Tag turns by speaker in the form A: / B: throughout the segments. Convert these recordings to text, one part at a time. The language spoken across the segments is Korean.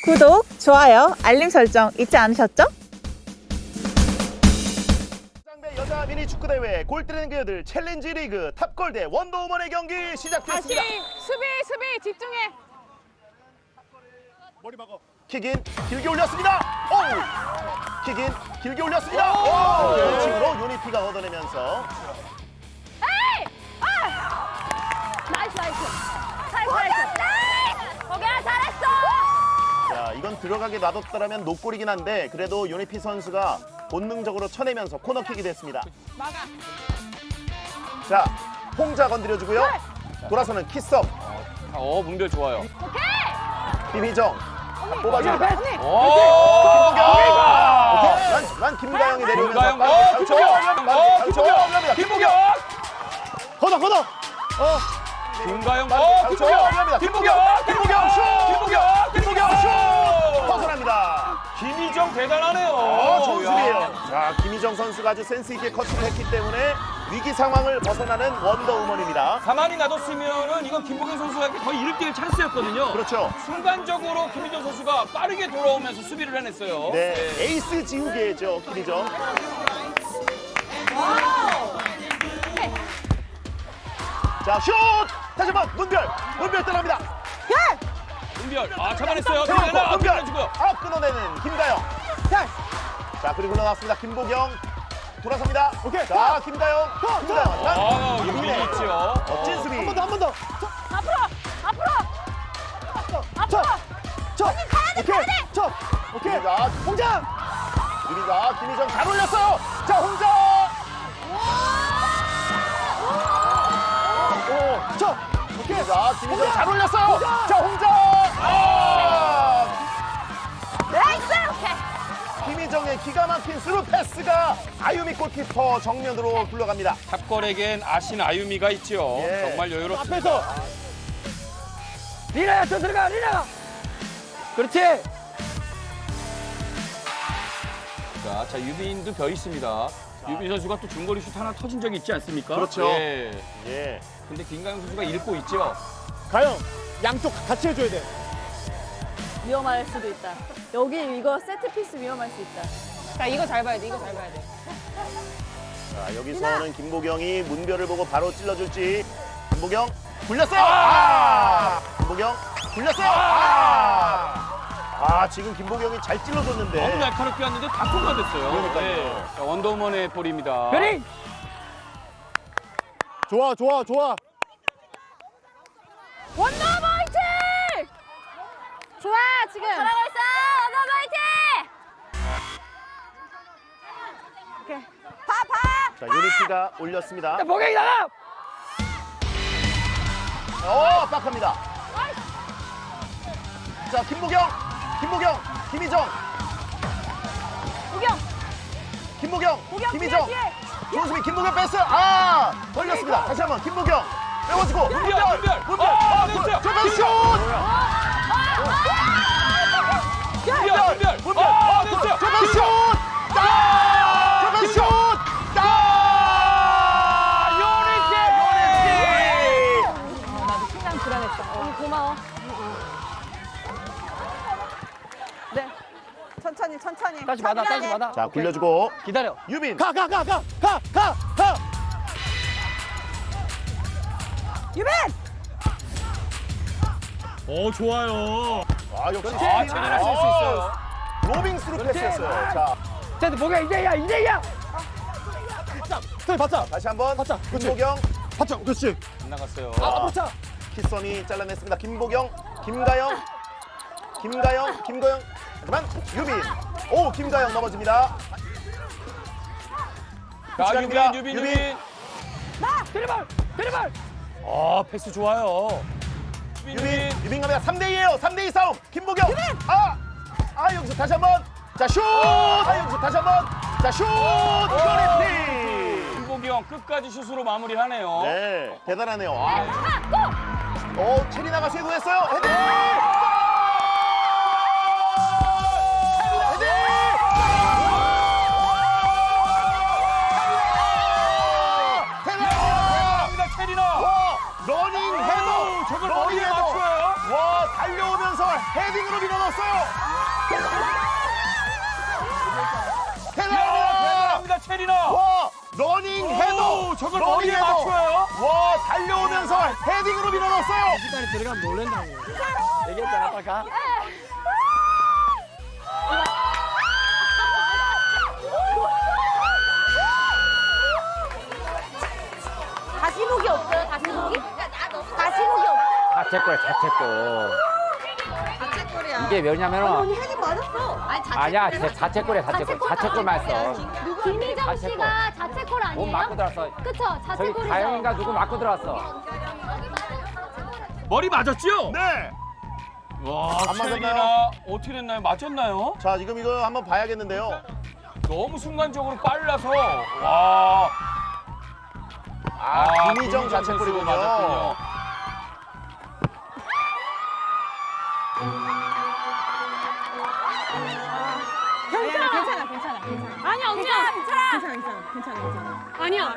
A: 구독, 좋아요, 알림 설정 잊지 않으셨죠?
B: 상대 여자 미니 축구 대회 골 때리는 그녀들 챌린지 리그 탑골 대 원더우먼의 경기 시작됐습니다.
C: 다시 수비 집중해.
B: 머리 막어. 킥인 길게 올렸습니다. 오! 킥인 길게 올렸습니다. 오! 왼쪽으로 유니피가 걷어내면서
C: 에이! 나이스. 거기야 잘했어.
B: 자, 이건 들어가게 놔뒀더라면 노골이긴 한데 그래도 유니피 선수가 본능적으로 쳐내면서 코너킥이 됐습니다.
C: 막아.
B: 자, 홍자 건드려주고요. 돌아서는 키썸.
D: 문별 좋아요.
C: 오케이.
B: 김희정 뽑아줍니다.
C: 언니.
B: 난 김가영이 내려오면서
D: 김보경! 김보경!
B: 걷어.
D: 김가영! 김보경! 슛!
B: 벗어납니다.
D: 김희정 대단하네요.
B: 좋은
D: 야.
B: 수비예요. 자, 김희정 선수가 아주 센스 있게 커팅을 했기 때문에 위기 상황을 벗어나는 원더우먼입니다.
D: 가만히 놔뒀으면은 이건 김보경 선수에게 거의 1대1 찬스였거든요.
B: 그렇죠.
D: 순간적으로 김희정 선수가 빠르게 돌아오면서 수비를 해냈어요.
B: 네, 에이스 지우개죠, 김희정. 자, 슛! 다시 한번 문별 떠납니다.
D: 문별, 잡아냈어요.
B: 문별
D: 해주고요.
B: 끊어내는 김가영. 자, 그리고 흘러나왔습니다. 김보경 돌아섭니다. 자, 김가영.
D: 유빈이 있죠.
B: 멋진 수비.
C: 앞으로.
B: 오케이. 자, 홍자. 유빈이가 김희정 잘 올렸어요. 자, 홍자. 오케이. 자, 김희정 잘 올렸어요. 자, 홍자.
C: 나이스. 오케이.
B: 김희정의 기가 막힌 스루 패스가 아유미 골키퍼 정면으로 굴러갑니다.
D: 탑걸에겐 아신 아유미가 있죠.
B: 예.
D: 정말 여유롭습니다.
E: 앞에서 리나야 저 들어가 리나가 그렇지
D: 자, 유빈도 벼 있습니다. 유빈 선수가 또 중거리 슛 하나 터진 적이 있지 않습니까?
B: 그렇죠.
D: 예.
B: 예.
D: 근데 김가영 선수가 읽고 있죠.
E: 가영 양쪽 같이 해줘야 돼
F: 위험할 수도 있다. 여기 이거 세트 피스 위험할 수 있다.
C: 자, 이거 잘 봐야 돼.
B: 자, 여기서는 김보경이 문별을 보고 바로 찔러줄지. 김보경 굴렸어요. 김보경 굴렸어요. 지금 김보경이 잘 찔러줬는데.
D: 너무 날카롭게 왔는데 다 통과됐어요.
B: 그러니까요.
D: 자, 원더우먼의 볼입니다.
E: 별이 좋아
C: 원더우먼 화이팅! 좋아, 지금.
F: 잘하고 있어. 원더 화이팅!
C: 오케이.
B: 자, 유니피가 올렸습니다.
E: 보경이 나가
B: 압박합니다. 자, 김희정, 김희정, 김희정.
C: 뒤에.
B: 좋은 수비, 김보경 뺐어요. 걸렸습니다. 다시 한번 김보경 빼워주고. 문별.
D: 됐어요.
B: 저 슛!
D: 문별. 됐어요.
B: 저번 슛!
F: 나도 심장 불안했어. 고마워.
A: 네. 천천히.
E: 다시 받아
B: 자, 굴려주고
E: 기다려
B: 유빈.
E: 가
A: 유빈!
D: 좋아요.
B: 역시
D: 체리나 쓸 수 있어요.
B: 로빙 스루 패스였어요. 자,
E: 쟤들 보경 이제야 바짝
B: 다시 한번
E: 바짝, 그렇지.
B: 김보경.
E: 바짝 그렇지
D: 안 나갔어요.
E: 앞으로 차
B: 키썸이 잘라냈습니다. 김보경, 김가영. 하지만 유빈. 김가영 넘어집니다.
D: 자,
B: 시간입니다.
D: 유빈.
E: 데리발
D: 패스 좋아요.
B: 유빈 갑니다. 3대2예요. 3대2 싸움. 김보경. 여기서 다시 한번. 자, 슛! 여기서 다시 한번. 자, 슛! 유니피.
D: 김보경 끝까지 슛으로 마무리하네요.
B: 네, 대단하네요. 체리나가 쇄도했어요. 헤딩!
D: 체리나.
B: 러닝 헤더.
D: 저걸
B: 러닝
D: 머리에
B: 헤더.
D: 맞춰요.
B: 달려오면서 헤딩으로 밀어넣었어요.
D: 대단합니다, 체리나.
B: 와, 러닝 헤더.
D: 오, 저걸
B: 러닝
D: 머리에
B: 헤더.
D: 맞춰요?
B: 와, 달려오면서 헤딩으로 밀어넣었어요.
E: 시간이 들어가면 놀란다고. 얘기했잖아, 아까 가.
C: 다시 보기 없어요? 다시 보기? 다시 보기 없어요?
G: 자책골이야, 자책골. 이게 왜냐면은
C: 헤딩 맞았어.
G: 아니야, 자책골이야, 자책골. 자책골만 했어.
C: 김희정
G: 자책골.
C: 씨가 자책골
G: 몸
C: 아니에요?
G: 맞고 들어왔어.
C: 그쵸?
G: 저기
C: 자책골이죠.
G: 가영이가 누구 맞고 들어왔어.
D: 머리 맞았죠?
B: 네.
D: 와,
B: 안
D: 체리나
B: 맞았나요?
D: 어떻게 됐나요? 맞았나요?
B: 자, 지금 이거 한번 봐야겠는데요.
D: 너무 순간적으로 빨라서 와.
B: 김희정
D: 선수
B: 자책골이군요.
D: 맞았군요.
C: 아니 엄지야 괜찮아. 아니야.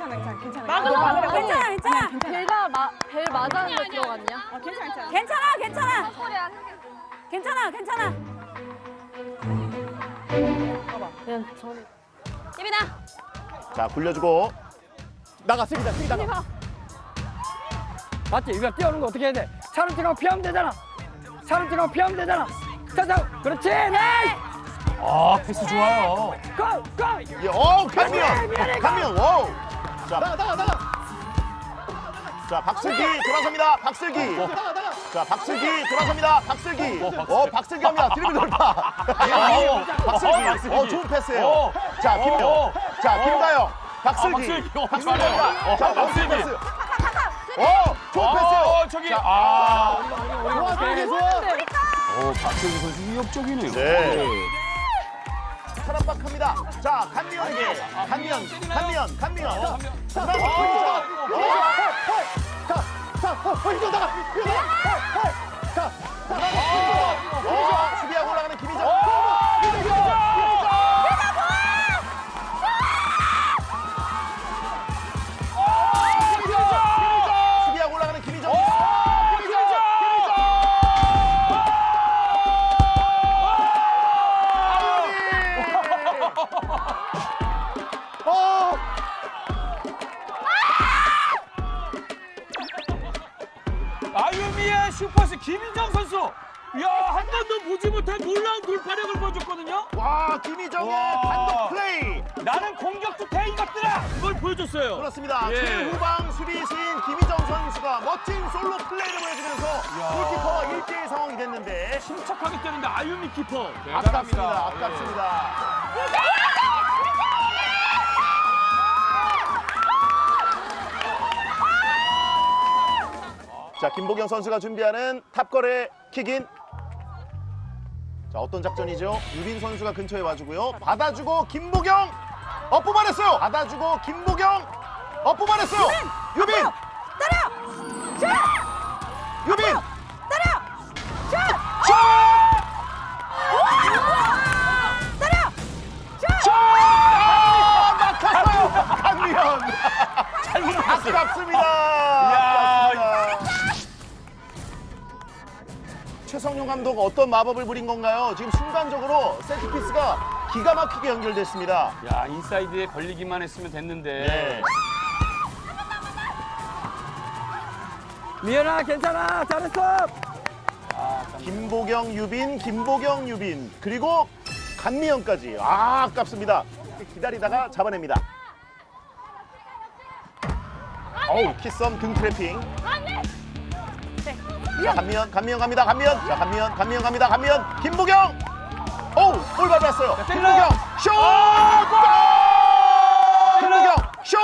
F: 벨가 벨 맞았는데 들어갔냐?
C: 괜찮아.
F: 그냥 저는
C: 예빈아.
B: 자, 굴려주고.
E: 나가, 쓰기 나가. 맞지? 이거 뛰어오는 거 어떻게 해야 돼? 차를 찍어 피하면 되잖아. 자, 그렇지, 나이스!
D: 아, 패스 좋아요.
E: 고!
B: 예, 강미연, 와우. 자, 나가. 자, 박슬기 돌아섭니다. 박슬기. 자, 박슬기 돌아섭니다. 박슬기. 박슬기 갑니다. 드리블 돌파. 박슬기. 좋은 패스예요. 자, 김가영. 자, 김가영. 박슬기.
D: 박슬기.
B: 갑니다. 자, 박슬기
D: 박슬기.
B: 패스. 좋은 패스예요.
D: 저기
B: 자,
D: 박세기 선수 위협적이네요.
B: 네. 사람박합니다. 자, 간미연에게. 간미연.
E: 이거 나가!
B: 수비하고 올라가는 김희정. 수비하고 올라가는 김희정.
D: 아유미의 슈퍼스 김인정 선수. 야, 한 번도 보지 못한 놀라운 돌파력을 보여줬거든요.
B: 와, 김희정의
D: 와.
B: 단독 플레이.
D: 나는 공격도 돼 이것들아. 이걸 보여줬어요.
B: 그렇습니다.
D: 예.
B: 최후방 수비수인 김희정 선수가 멋진 솔로 플레이를 보여주면서 골키퍼와 1대1 상황이 됐는데
D: 침착하게 때는데 아유미 키퍼.
B: 아깝습니다. 아깝습니다. 자, 김보경 선수가 준비하는 탑걸의 킥인. 자, 어떤 작전이죠? 유빈 선수가 근처에 와주고요. 받아주고 김보경 뽑아냈어요. 받아주고 김보경 뽑아냈어요. 유빈
A: 때려. 슛.
B: 유빈
A: 때려. 슛.
B: 슛!
A: 때려. 슛.
B: 막혔어요. 강미연. 아깝습니다. 아깝습니다. 최성용 감독 어떤 마법을 부린 건가요? 지금 순간적으로 세트피스가 기가 막히게 연결됐습니다.
D: 야, 인사이드에 걸리기만 했으면 됐는데.
B: 네.
E: 미연아, 괜찮아. 잘했어.
B: 김보경, 유빈, 그리고 강미연까지. 아깝습니다. 기다리다가 잡아냅니다. 어우, 키썸 등 트래핑. 자, 강미연 갑니다. 자, 강미연 갑니다. 김보경. 어우, 볼 받았어요. 김보경 슛! 골! 김보경 슛!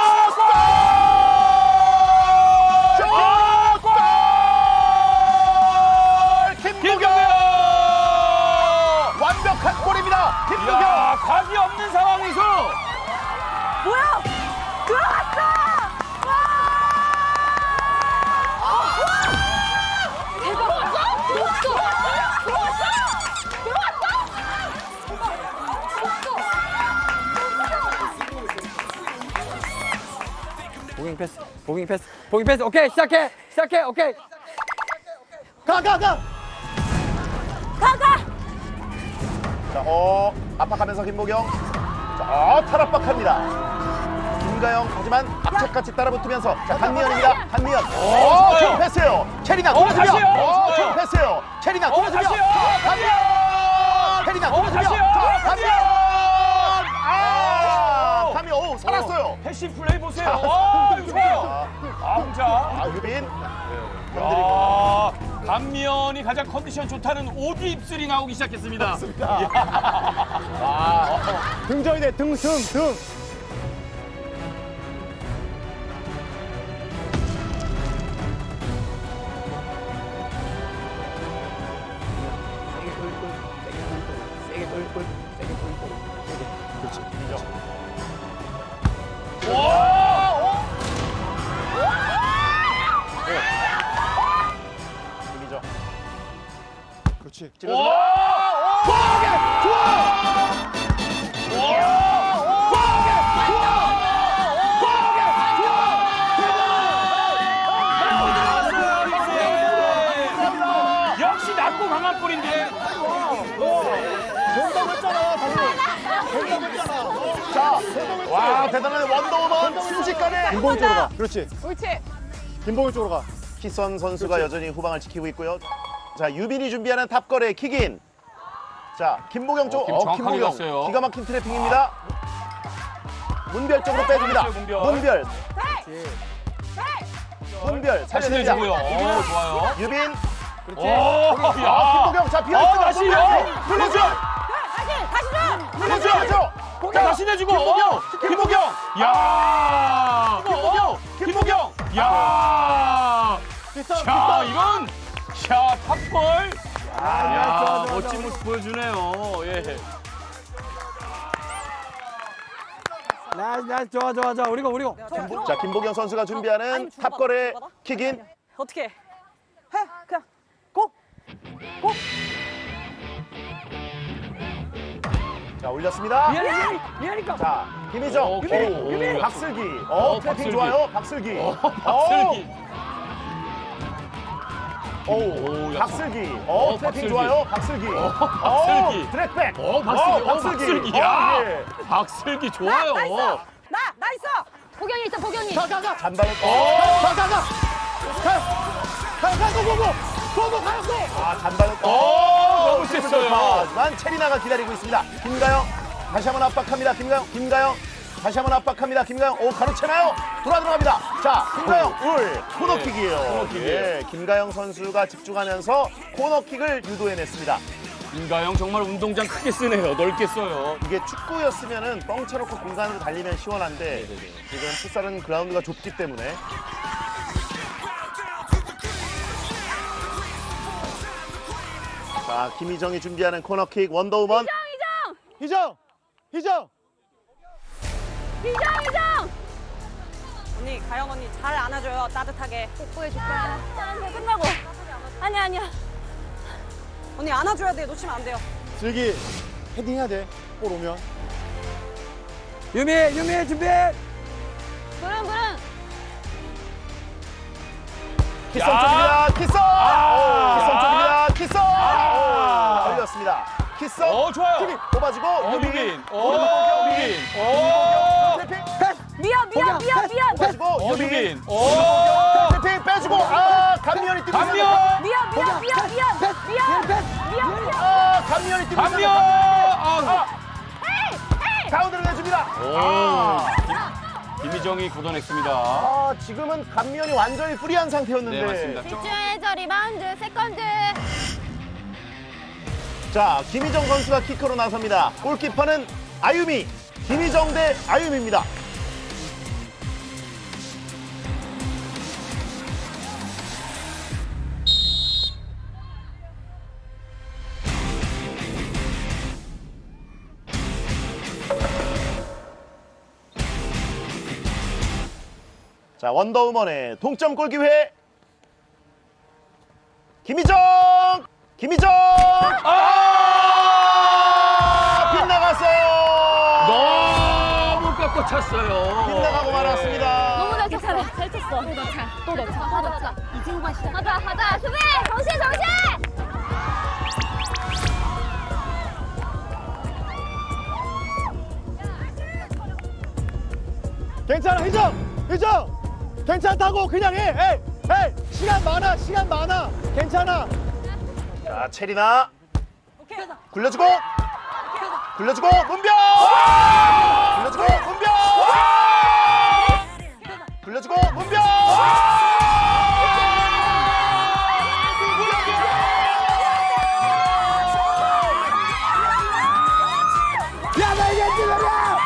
B: 김보경! 완벽한 골입니다. 김보경.
D: 야, 각이 없는 상황에서
A: 뭐야? 들어갔어.
E: 보깅 패스. 오케이, 시작해. 오케이. 가.
C: 가.
B: 자, 압박하면서 김보경. 자, 탈압박합니다. 김가영 하지만 앞쪽같이 따라붙으면서 자, 강미연입니다. 강미연. 좋은 패스예요. 체리나 돌아서며.
D: 다시요.
B: 좋은 패스예요. 체리나 돌아서며.
D: 다시요.
B: 강미연. 체리나 돌아서며.
D: 다시요.
B: 강미연. 강미연. 살았어요.
D: 패시 플레이 보세요. 이거 좋아요. 혼자.
B: 유빈.
D: 아, 감미연이 가장 컨디션 좋다는 오디 입술이 나오기 시작했습니다.
E: 등정이 돼, 등.
B: 김희정.
E: 그렇지.
D: 역시 낮고 강한 볼인데.
B: 자, 와 대단한 원더우먼 순식간에
E: 김봉희 쪽으로 가. 그렇지.
F: 옳지.
E: 김봉희 쪽으로 가.
B: 키선 선수가 여전히 후방을 지키고 있고요. 자, 유빈이 준비하는 탑걸의 킥인. 자, 김보경 쪽.
D: 김 정확하게
B: 김보경.
D: 갔어요.
B: 기가 막힌 트래핑입니다. 문별 쪽으로 빼줍니다.
D: 문별.
B: 문별. 문별
D: 다시
B: 살려냅니다.
D: 내주고요. 좋아요.
B: 유빈.
D: 오, 야.
B: 김보경 자 비어있어.
D: 다시요. 눌러줘.
A: 다시 줘.
B: 눌러줘.
D: 자, 다시 내주고. 김보경. 야. 김보경. 야. 자, 이건 탑골. 야, 멋진 모습 보여주네요. 예.
E: 나이스, 좋아. 우리고.
B: 자, 김보경 선수가 준비하는 탑걸의 킥인.
A: 어떻게 해? 그냥 고.
B: 자, 올렸습니다.
E: 미안이니까.
B: 자, 김희정.
D: 오, 유빈.
B: 박슬기.
D: 어,
B: 트래핑
D: 박슬기.
B: 좋아요. 박슬기.
D: 박슬기.
B: 오,
D: 야,
B: 박슬기.
D: 어,
B: 트래핑
D: 박슬기.
B: 좋아요. 박슬기.
D: 박슬기.
B: 트랙백.
D: 박슬기. 야.
B: 예.
D: 박슬기 좋아요.
A: 나 있어.
C: 보경이 있어, 보경이.
B: 잔발을. 잔발을.
D: 너무 셌어요.
B: 하지만 체리나가 기다리고 있습니다. 김가영 다시 한번 압박합니다. 김가영 다시 한번 압박합니다. 김가영 가로채나요? 들어갑니다. 자, 김가영 코너킥이에요.
D: 코너킥이에요.
B: 예, 김가영 선수가 집중하면서 코너킥을 유도해냈습니다.
D: 김가영 정말 운동장 크게 쓰네요. 넓게 써요.
B: 이게 축구였으면은 뻥 쳐놓고 공간으로 달리면 시원한데 지금 풋살은 그라운드가 좁기 때문에. 자, 김희정이 준비하는 코너킥 원더우먼.
E: 희정.
A: 언니 가영 언니 잘 안아줘요. 따뜻하게.
C: 뽀뽀해줄까? 짠, 끝나고. 아니야.
A: 언니 안아줘야 돼. 놓치면 안 돼요.
E: 슬기 헤딩해야 돼. 볼 오면. 유미 준비.
C: 부릉.
B: 키썸 쪽입니다. 키썸 쪽입니다. 걸렸습니다. 키썸.
D: 좋아요.
B: 뽑아주고
D: 유빈.
B: 유빈.
C: 미안.
B: 뽑아주고 유빈.
D: 유빈.
B: 트래핑 빼주고 감미연이 뛰고
D: 감미연.
C: 미안.
B: 감미연이 뛰고
D: 감미연.
B: 가운데로 내줍니다.
D: 김희정이 걷어냈습니다.
B: 지금은 감미연이 완전히 프리한 상태였는데.
D: 네, 맞습니다.
C: 집중해서 리바운드, 세컨드.
B: 자, 김희정 선수가 키커로 나섭니다. 골키퍼는 아유미. 김희정 대 아유미입니다. 자, 원더우먼의 동점골 기회. 김희정! 빗나갔어요.
D: 너무 깎고 찼어요.
B: 빗나가고 말았습니다.
C: 너무 잘 쳤어. 또 넣자. 하자. 이진관 시작. 하자. 수비! 정신!
E: 희정 괜찮다고 그냥 해. 에이 시간 많아 괜찮아.
B: 자, 체리나. 굴려주고. 굴려주고, 문병! 굴려주고, 문병! 굴려주고, 문병!
E: 야나 이게 지금이야.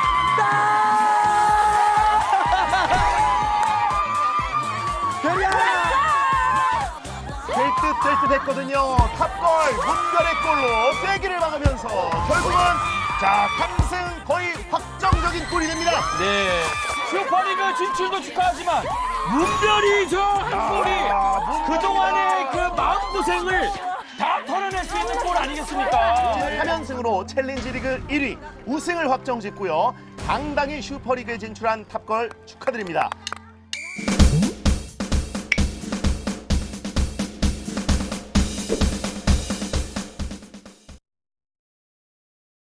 B: 될 듯 했거든요. 탑골, 문별의 골로 세기를 막으면서 결국은 자, 3승 거의 확정적인 골이 됩니다.
D: 네. 슈퍼리그 진출도 축하하지만 문별이 저 한 골이 그동안의 그 마음고생을 다 털어낼 수 있는 골 아니겠습니까?
B: 3연승으로 챌린지 리그 1위 우승을 확정짓고요. 당당히 슈퍼리그에 진출한 탑걸 축하드립니다.